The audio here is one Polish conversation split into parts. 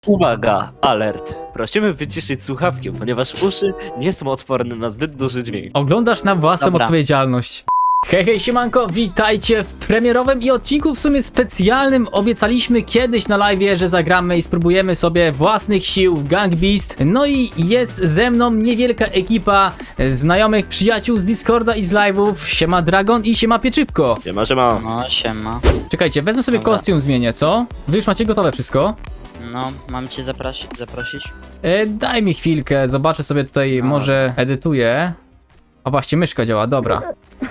Uwaga, alert. Prosimy wyciszyć słuchawki, ponieważ uszy nie są odporne na zbyt duży dźwięk. Oglądasz na własną Dobra. odpowiedzialność. Hej, hej, siemanko, witajcie w premierowym i odcinku w sumie specjalnym. Obiecaliśmy kiedyś na live'ie, że zagramy i spróbujemy sobie własnych sił w Gang Beast. No i jest ze mną niewielka ekipa znajomych, przyjaciół z Discorda i z live'ów. Siema Dragon i siema Pieczywko. Siema. No, siema. Czekajcie, wezmę sobie Dobra. kostium, zmienię, co? Wy już macie gotowe wszystko? No, mam cię zaprosić? Daj mi chwilkę, zobaczę sobie tutaj, No. może edytuję. O właśnie, myszka działa, dobra.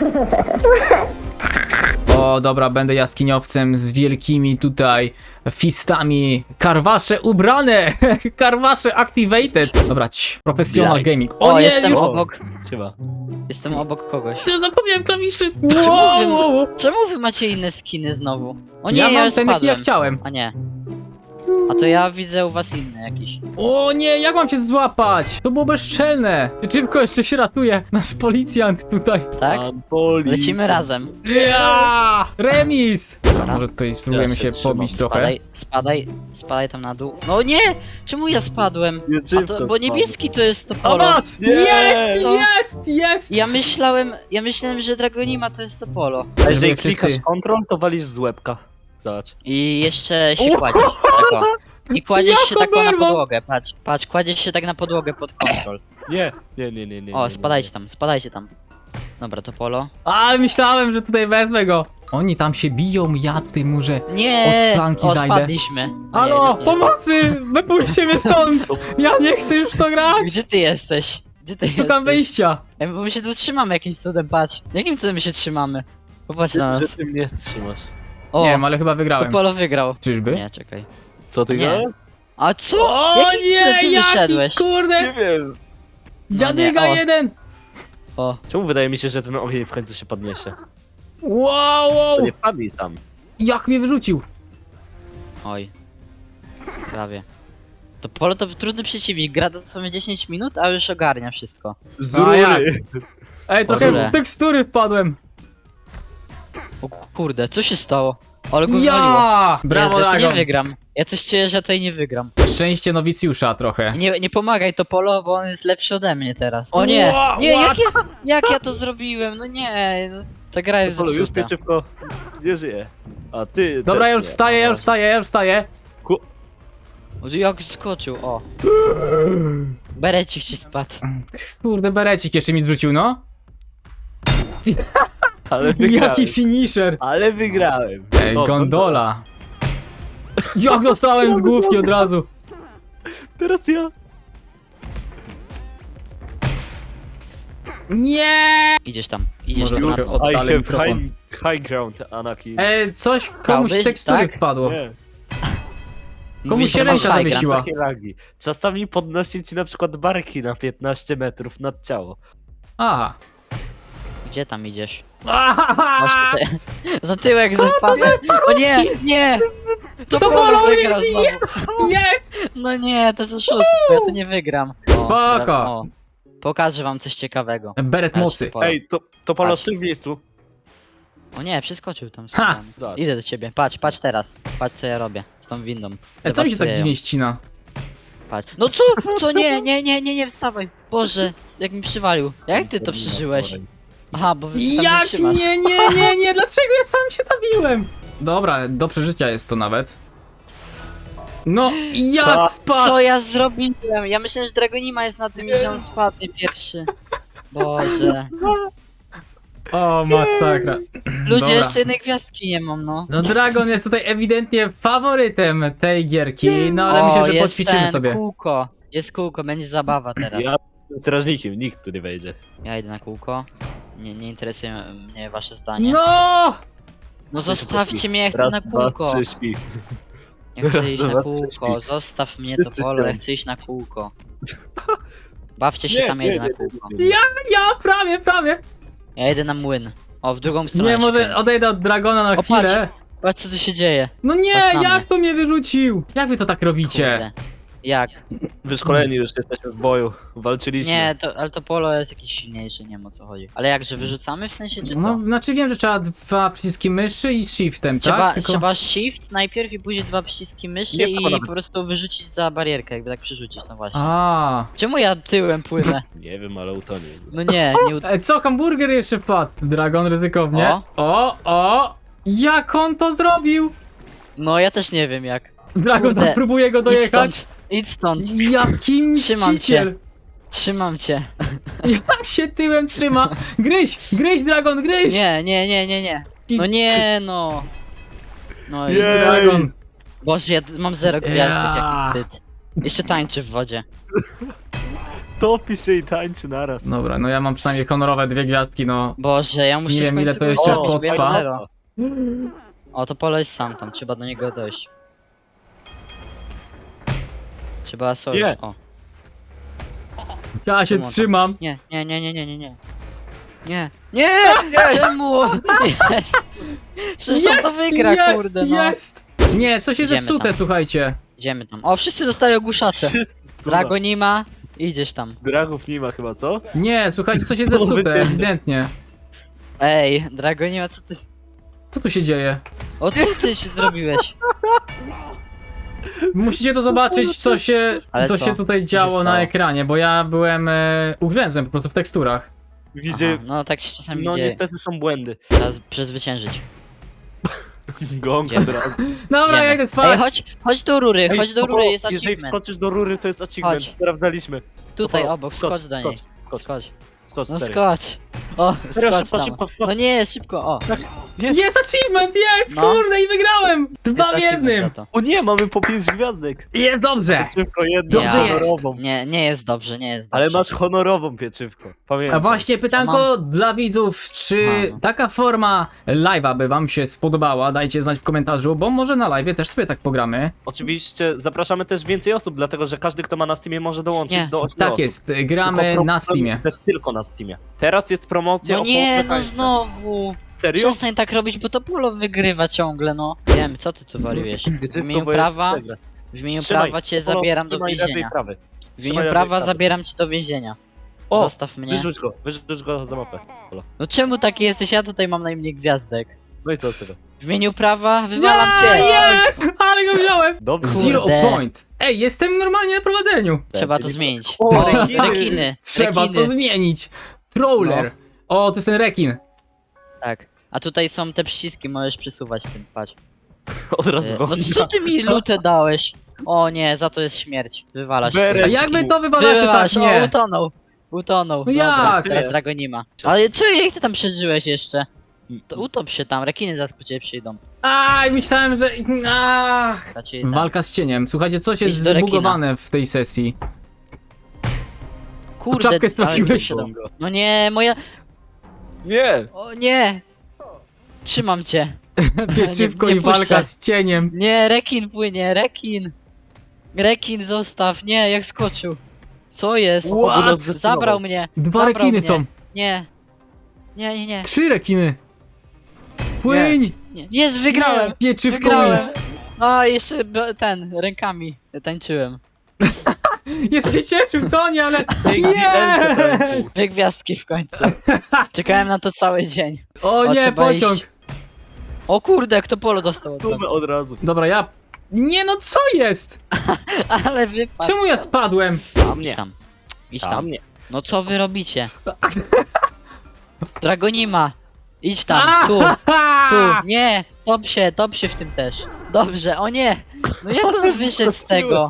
O, dobra, będę jaskiniowcem z wielkimi tutaj fistami. Karwasze ubrane! Karwasze activated! Dobra, professional Jak? gaming. O, nie, jestem już... obok. Siema. Jestem obok kogoś. Co, zapomniałem klawiszy! Czemu Wow! Czemu wy macie inne skiny znowu? O nie, Ja mam już ten, jaki spadłem. ja chciałem. A nie. A to ja widzę u was inny jakiś. O nie, jak mam cię złapać? To było bezczelne. Szybko jeszcze się ratuje. Nasz policjant tutaj. Tak? Boli. Lecimy razem. Ja! Remis! Dobra. Może tutaj spróbujemy Ja się się trzymam. pobić trochę. Spadaj tam na dół. No nie! Czemu ja spadłem? Nie, A czym to, to bo spadło? niebieski to jest to O, polo. masz! Nie! Jest, No. jest! Ja myślałem, że Dragonima to jest to polo. A jeżeli Wszyscy- klikasz kontrol, to walisz z łebka. Zobacz. I jeszcze się kładziesz. Tak, o. I kładziesz się Jako tak o na berło. podłogę, patrz, kładziesz się tak na podłogę pod kontrol. Nie. O, spadajcie tam. Dobra, to polo. A, myślałem, że tutaj wezmę go. Oni tam się biją, ja tutaj muszę... Nie! Od flanki O, zajdę. spadliśmy. Halo, Nie. pomocy! Wypuśćcie mnie stąd! Ja nie chcę już w to grać! Gdzie ty jesteś? Szukam wyjścia. Ej, bo my się tu trzymamy jakimś cudem, patrz. Jakim cudem my się trzymamy? Popatrz na nas. Że ty mnie trzymasz. O, Nie wiem, ale chyba to wygrałem. polo wygrał. Czyżby? Nie, czekaj. Co ty Nie. gadasz? A co? O Jakim cudem ty nie, jaki wyszedłeś? kurde! wiem. Dziadyga No nie, o. jeden! O, Czemu wydaje mi się, że ten ogień w końcu się podniesie? Wow! To nie padnij sam. Jak mnie wyrzucił? oj. Prawie. To polo to trudny przeciwnik, gra dosłownie 10 minut, a już ogarnia wszystko. Z A jak? rury. Ej, trochę Padłem. w tekstury wpadłem. O kurde, co się stało? Ale go wywaliło. Ja! Brawo, Jezu, ja to nie Dragon. wygram. Ja coś czuję, że tutaj nie wygram. Szczęście nowicjusza trochę. Nie pomagaj to polo, bo on jest lepszy ode mnie teraz. O nie! Ła- Nie, what? jak ja to zrobiłem? No nie, no, ta gra jest Polu, już zepsuta. pieczywko nie żyje. A ty Dobra, też ja już nie. wstaję, ja już wstaję, ja już wstaję. O, jak skoczył, o. Berecik ci spadł. Kurde, berecik jeszcze mi zwrócił, no. Ale wygrałem. Jaki finisher. Ale wygrałem. Ej, O, gondola. Jak dostałem z główki od razu. Teraz ja. Nie! Idziesz tam na Może trochę to. od- I Oddalę have mikrofon. high ground, Anakin. Coś komuś Chciałbyś, tekstury tak? wpadło. Nie, Komuś Mówisz, się że masz ręka high zawiesiła. ground. takie lagi. Czasami podnosi ci na przykład barki na 15 metrów nad ciało. Aha. Gdzie tam idziesz? Masz Ahaha! tutaj... Za tyłek Co to zapadłem. O nie, nie! To polo polo wygra jest, znowu. jest! No nie, to jest oszustwo, ja to nie wygram. O, Spoko. o, pokażę wam coś ciekawego. Beret Patrz, mocy. polo. Ej, to Polo Patrz. stój w miejscu. O nie, przeskoczył tam. Ha! Tam. Zobacz. Idę do ciebie, patrz teraz. Patrz co ja robię z tą windą. Co mi się tak Dewastuję ją. dziwnie ścina? Patrz. No co, nie, wstawaj. Boże, jak mi przywalił. Jak ty to przeżyłeś? Aha, bo wy tam Jak trzymasz. nie, dlaczego ja sam się zabiłem? Dobra, do przeżycia jest to nawet. No, jak Co? spadł? Co ja zrobiłem? Ja myślałem, że Dragonima jest na tym i że on spadnie pierwszy. Boże. O, masakra. Ludzie, Dobra. jeszcze jednej gwiazdki nie mam, no. No Dragon jest tutaj ewidentnie faworytem tej gierki, no ale O, myślę, że jest poćwiczymy ten, sobie. Kółko. Jest kółko, będzie zabawa teraz. Ja jestem strażnikiem, nikt tu nie wejdzie. Ja idę na kółko. Nie interesuje mnie wasze zdanie. No! No zostawcie mnie, ja chcę Raz, na dwa, kółko. trzy, śpi. Ja chcę raz, iść na dwa, kółko. trzy, śpi. Zostaw mnie Wszyscy to polo, ja śpią. chcę iść na kółko. Bawcie się tam, ja idę na kółko. Ja prawie. Ja idę na młyn. O, w drugą stronę. Nie, się może kręcę. odejdę od Dragona na O, chwilę. Patrz co tu się dzieje. No nie, Patrz na jak mnie. to mnie wyrzucił? Jak wy to tak robicie? Kurde. Jak? Wyszkoleni już jesteśmy w boju. Walczyliśmy. Nie, ale to polo jest jakieś silniejsze, nie wiem o co chodzi. Ale jak, że wyrzucamy w sensie, czy co? No, znaczy wiem, że trzeba 2 przyciski myszy i shiftem, tak? Trzeba shift najpierw i później 2 przyciski myszy Nie trzeba i nawet. po prostu wyrzucić za barierkę, jakby tak przerzucić, no właśnie. A. Czemu ja tyłem płynę? Nie wiem, ale utonie. No nie, Co, hamburger jeszcze wpadł? Dragon ryzykownie. O! Jak on to zrobił? No ja też nie wiem jak. Dragon Kurde. tam próbuje go Idź dojechać. stąd, idź stąd. Jaki Trzymam mściciel. Trzymam cię. Jak się tyłem trzyma. Gryź Dragon, gryź. Nie. No nie, no. No i... Jej. Dragon. Boże, ja mam 0 gwiazdek, Ja. jaki wstyd. Jeszcze tańczy w wodzie. Topi się i tańczy naraz. Dobra, no ja mam przynajmniej honorowe 2 gwiazdki, no. Boże, ja muszę Nie w wiem, końcu ile to go jeszcze zrobić, bo ja mam potrwa. 0. O, to polo jest sam tam, trzeba do niego dojść. Trzeba sojusz, Nie. o. Ja się Czemu on trzymam. Nie. Czemu? Nie. Przecież on to wygra, kurde, no. Jest! Nie, coś jest Idziemy zepsute, tam. słuchajcie. Idziemy tam. O, wszyscy dostają ogłuszacze. Wszyscy Dragonima, idziesz tam. Dragów nie ma chyba, co? Nie, słuchajcie, coś jest To zepsute, wycięcie. ewidentnie. Ej, Dragonima, co ty... Co tu się dzieje? O, co ty się zrobiłeś? Musicie to zobaczyć, Ale co co? się tutaj się działo na stało? ekranie, bo ja byłem ugrzęzłem po prostu w teksturach. Widzę. Aha, no tak się czasami No dzieje. niestety są błędy. Trzeba przezwyciężyć. Gong Idziemy. od razu. Dobra, ja Idziemy. idę spać. Ej, chodź do rury, Ej, chodź do Popo, rury, jest jeżeli achievement. wskoczysz do rury, to jest achievement. Chodź. Sprawdzaliśmy. Tutaj Popo, obok, skocz do niej. Skocz. Skocz, No serio. skocz. O, Serio, skocz szybko, tam. szybko, skocz. No nie, szybko, o. Jest achievement, jest, No. kurde, i wygrałem! 2 w Jest achievement 1. za to. O nie, mamy po 5 gwiazdek. Jest dobrze! Pieczywko jedno, Dobrze jest. honorową. Nie jest dobrze, nie jest dobrze. Ale masz honorową pieczywko. Pamiętaj. A właśnie pytanko dla widzów, czy Aha. taka forma live'a by wam się spodobała? Dajcie znać w komentarzu, bo może na live'ie też sobie tak pogramy. Oczywiście zapraszamy też więcej osób, dlatego że każdy, kto ma na Steamie, może dołączyć Nie. do 8 Tak osób. jest, gramy Tylko na problem, Steamie. że Tylko na Steamie. Teraz jest promocja No o nie, połowę no tańsza. znowu. Serio? Przestań tak robić, bo to polo wygrywa ciągle, no. Wiem, co ty tu wariujesz. W Pieczywko, imieniu bo jest prawa, przegra. w imieniu Trzymaj, prawa cię Polo, zabieram do trzymaj lewej więzienia. prawej. W Trzymaj imieniu lewej prawa prawej. zabieram cię do więzienia. O, Zostaw mnie. wyrzuć go za mapę. Polo. No czemu taki jesteś? Ja tutaj mam najmniej gwiazdek. No i co z tego? W imieniu prawa wywalam cię. Jest! Ale go wziąłem! Dobrze. Zero Kurde. point. Ej, jestem normalnie na prowadzeniu. Trzeba to Czyli- zmienić. O, Rekiny. Trzeba rekiny. to zmienić. Troller. O, to jest ten rekin. Tak. A tutaj są te przyciski, możesz przesuwać tym, patrz. Od razu No co ty mi lutę dałeś? O nie, za to jest śmierć. Wywalasz. Berę. A jak wy to wywalacie tak? Wywalasz, o, Nie. utonął. Utonął. No Dobra, jak? teraz Dragonima. Ale co, jak ty tam przeżyłeś jeszcze? To utop się tam, rekiny zaraz po ciebie przyjdą. Aj, myślałem, że... Ach. Raczej tam. Walka z cieniem. Słuchajcie, coś jest Idź do rekina. zbugowane w tej sesji. Kurde, czapkę ale straciłeś. się tam- No nie, moja... Nie! O nie! Trzymam cię. Pieczywko nie i walka puszczę. z cieniem. Nie, rekin płynie, rekin. Rekin zostaw, nie, jak skoczył. Co jest? What? Zabrał mnie. 2 Zabrał rekiny mnie. są. Nie. Nie. 3 rekiny. Płyń! Nie. Jest, wygrałem. Pieczywko Wygrałem. jest. A, jeszcze ten, rękami tańczyłem. Jeszcze się cieszył, Toni, ale... rękę Yes! 2 gwiazdki w końcu. Czekałem na to cały dzień. O nie, trzeba pociąg. iść. O kurde, kto polo dostał od razu. Mamy od razu. Dobra, ja... Nie no, co jest? Ale wypadł. Czemu ja spadłem? Tam Idź nie. tam. Idź Tam tam. nie. No co wy robicie? Dragonima. Idź tam, tu. Nie, top się w tym też. Dobrze, o nie. No jak on wyszedł z tego?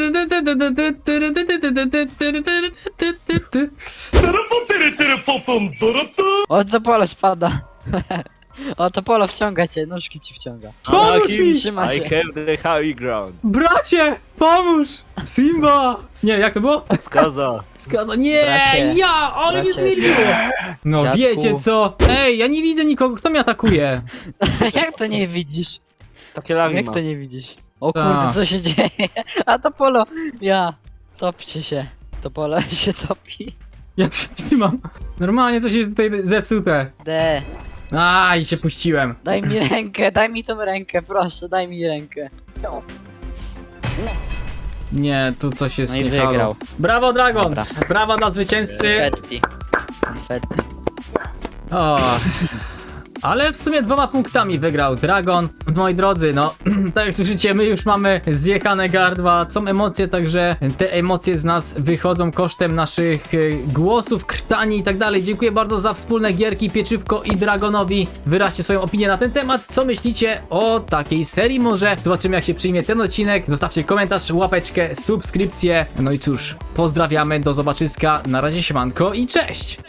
O, to polo spada. O, to polo wciąga cię, nóżki ci wciąga. Pomóż mi! Trzyma I się. have the high ground. Bracie, pomóż! Simba! Nie, jak to było? Skaza. Skaza, nie, Bracie, ja, ale mnie bracie. zmieniło! No Dziadku. wiecie co? Ej, ja nie widzę nikogo, kto mnie atakuje? Jak to nie widzisz? Takie lagi Jak ma. to nie widzisz? O Ta. kurde, co się dzieje? A to polo, topcie się. To polo się topi. Ja tu się trzymam. Normalnie coś jest tutaj zepsute. D. Aj, się puściłem. Daj mi rękę, daj mi tą rękę, proszę, daj mi rękę. Nie, tu coś jest No i nie halo. wygrał. Brawo, Dragon! Dobra. Brawa dla zwycięzcy! Konfetti. Konfetti. O. Ale w sumie 2 punktami wygrał Dragon. Moi drodzy, no, tak jak słyszycie, my już mamy zjechane gardła, są emocje, także te emocje z nas wychodzą kosztem naszych głosów, krtani i tak dalej. Dziękuję bardzo za wspólne gierki, Pieczywko i Dragonowi. Wyraźcie swoją opinię na ten temat. Co myślicie o takiej serii może? Zobaczymy, jak się przyjmie ten odcinek. Zostawcie komentarz, łapeczkę, subskrypcję. No i cóż, pozdrawiamy, do zobaczyska. Na razie, siemanko i cześć!